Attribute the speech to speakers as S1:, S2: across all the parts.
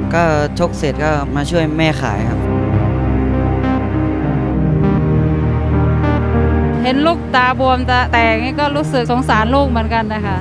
S1: ก็ชกเสร็จก็มาช่วยแม่ขายครับ
S2: เห็นลูกตาบวมตาแตกนี่ก็รู้สึกสงสารลูกเหมือนกันนะคะ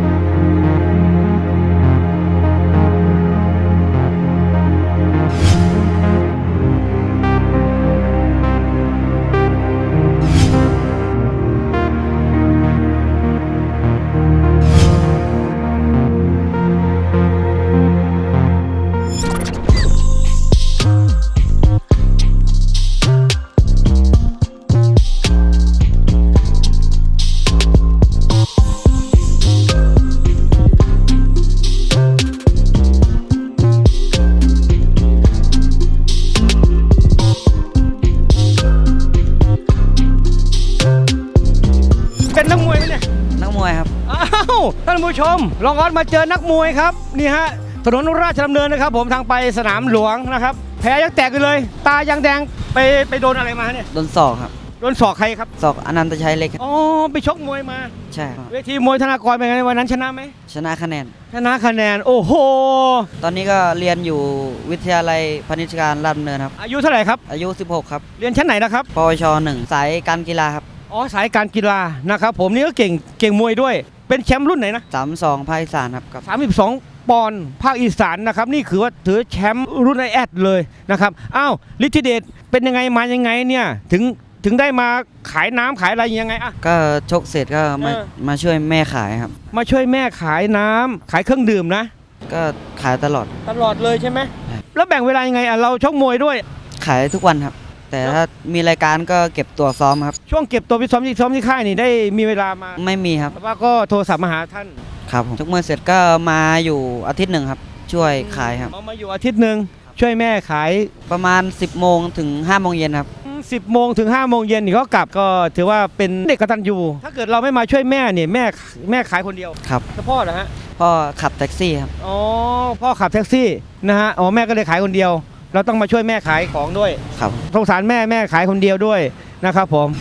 S3: เป็นนักมวยไหมเนี่ย
S1: นักมวยครับ
S3: อ้าวท่านผู้ชมลองออสมาเจอนักมวยครับนี่ฮะถนนราชดำเนินนะครับผมทางไปสนามหลวงนะครับแผลยังแตกอยู่เลยตายังแดงไปโดนอะไรมาเนี่ย
S1: โดนศอกครับ
S3: โดนศอกใครครับ
S1: ศอกอนันตชัยเล็กครับ
S3: อ๋อไปชกมวยมา
S1: ใช่ครับ
S3: เวทีมวยธนากรเป็นไงวันนั้นชนะไหม
S1: ชนะคะแนน
S3: โอ้โห
S1: ตอนนี้ก็เรียนอยู่วิทยาลัยพาณิชยการราชดำเนินครับ
S3: อายุเท่าไหร่ครับ
S1: อายุ16ครับ
S3: เรียนชั้นไหนนะครับ
S1: ปวช1สายการกีฬาครับ
S3: อ๋อสายการกีฬานะครับผมนี่ก็เก่งมวยด้วยเป็นแชมป์รุ่นไหนนะ
S1: 32ภาคอีสานครับกับ
S3: 32ปอนด์ภาคอีสานนะครับนี่คือว่าถือแชมป์รุ่นไอแอดเลยนะครับอ้าวฤทธิเดชเป็นยังไงมายังไงเนี่ยถึงได้มาขายน้ำขายอะไรยังไงอ่ะ
S1: ก็ชกเสร็จก็มาช่วยแม่ขายครับ
S3: มาช่วยแม่ขายน้ำขายเครื่องดื่มนะ
S1: ก็ขายตลอด
S3: เลยใช่ไหมแล้วแบ่งเวลายังไงอ่ะเราชกมวยด้วย
S1: ขายทุกวันครับแต่ถ้ามีรายการก็เก็บตัวซ้อมครับ
S3: ช่วงเก็บตัวไปซ้อมที่ค่ายนี่ได้มีเวลามา
S1: ไม่มีครับ
S3: แต่ว่าก็โทรศัพท์มาหาท่าน
S1: ครับชกมวยเสร็จก็มาอยู่อาทิตย์หนึ่งครับช่วยขายครับ
S3: มาอยู่อาทิตย์หนึ่งช่วยแม่ขาย
S1: ประมาณ10 โมงถึง5 โมงเย็นครับ
S3: 10 โมงถึง5 โมงเย็นนี่เขากลับก็ถือว่าเป็นเด็กกตัญญูถ้าเกิดเราไม่มาช่วยแม่เนี่ยแม่ขายคนเดียว
S1: ครับ
S3: แล้วพ่อเหรอฮะ
S1: พ่อขับแท็กซี่ครับ
S3: อ๋อพ่อขับแท็กซี่นะฮะอ๋อแม่ก็เลยขายคนเดียวเราต้องมาช่วยแม่ขายของด้วย
S1: ครับ
S3: สงสารแม่ขายคนเดียวด้วยนะครับผม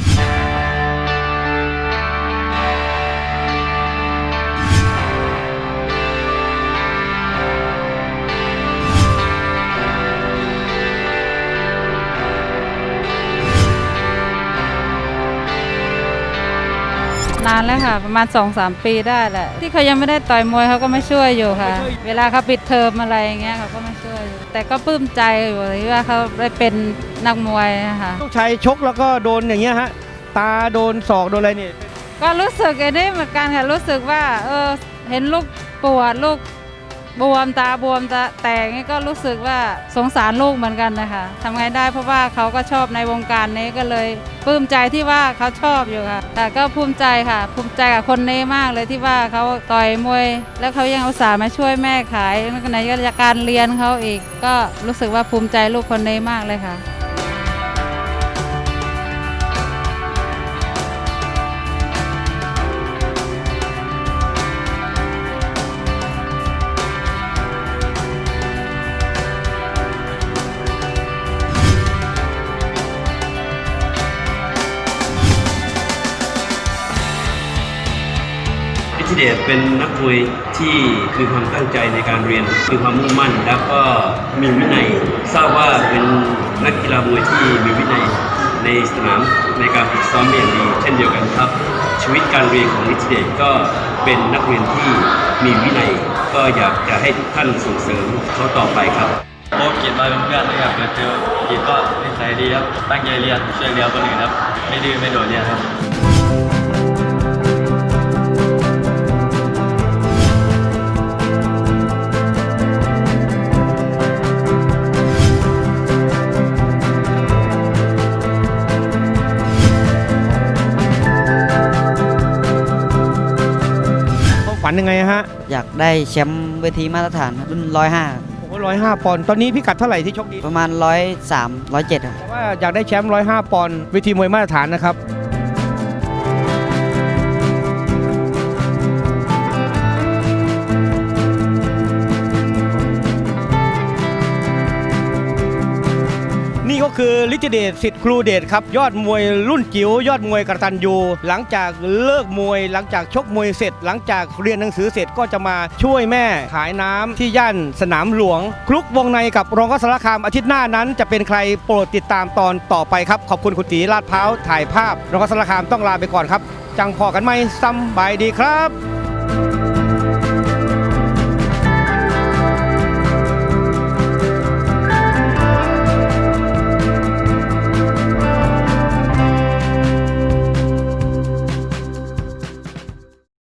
S2: นานแล้วค่ะประมาณ 2-3 ปีได้แหละที่เขายังไม่ได้ต่อยมวยเขาก็ไม่ช่วยอยู่ค่ะเวลาเขาปิดเทอมอะไรอย่างเงี้ยเขาก็ไม่ช่วยอยู่แต่ก็ปลื้มใจอยู่ที่ว่าเขาได้เป็นนักมวยนะคะ
S3: ลูกชายชกแล้วก็โดนอย่างเงี้ยฮะตาโดนศอกโดนอะไรนี่
S2: ก็รู้สึกไอ้นี่เหมือนกันค่ะรู้สึกว่าเห็นลูกปวดลูกบวมตาบวมตาแตกนี่ก็รู้สึกว่าสงสารลูกเหมือนกันนะคะทำไงได้เพราะว่าเขาก็ชอบในวงการนี้ก็เลยปลื้มใจที่ว่าเขาชอบอยู่ค่ะแต่ก็ภูมิใจค่ะภูมิใจกับคนนี้มากเลยที่ว่าเขาต่อยมวยแล้วเขายังอุตส่าห์มาช่วยแม่ขายในการเรียนเขาอีกก็รู้สึกว่าภูมิใจลูกคนนี้มากเลยค่ะ
S4: ฤทธิเดชเป็นนักมวยที่มีความตั้งใจในการเรียนมีความมุ่งมั่นแล้วก็มีวินัยทราบว่าเป็นนักกีฬามวยที่มีวินัยในสนามในการฝึกซ้อมอย่างดีเช่นเดียวกันครับชีวิตการเรียนของฤทธิเดชก็เป็นนักเรียนที่มีวินัยก็อยากจะให้ทุกท่านส่งเสริมเขาต่อไปครับ
S5: โค้ชกิจมาเป็นเพื่อนเลยครับเจอกิจก็นิสัยดีครับตั้งใจเรียนช่วยเหลือคนอื่นครับไม่ดื้อไม่โดดเรียนครับ
S3: ฝันยังไงฮะ
S1: อยากได้แชมป์เวทีมาตรฐานรุ่น105
S3: โอ้105 ปอนด์ตอนนี้พิกัดเท่าไหร่ที่ชกดี
S1: ประมาณ103 107ครับ
S3: แต่ว่าอยากได้แชมป์105 ปอนด์เวทีมวยมาตรฐานนะครับนี่ก็คือฤทธิเดชสิทธิ์ครูเดชครับยอดมวยรุ่นจิ๋วยอดมวยกตัญญูหลังจากเลิกมวยหลังจากชกมวยเสร็จ หลังจากเรียนหนังสือเสร็จก็จะมาช่วยแม่ขายน้ำที่ย่านสนามหลวงคลุกวงในกับรองสารคามอาทิตย์หน้านั้นจะเป็นใครโปรดติดตามตอนต่อไปครับขอบคุณคุณตีลาดพร้าวถ่ายภาพรองสารคามต้องลาไปก่อนครับจังพอกันไหมสำบายดีครับ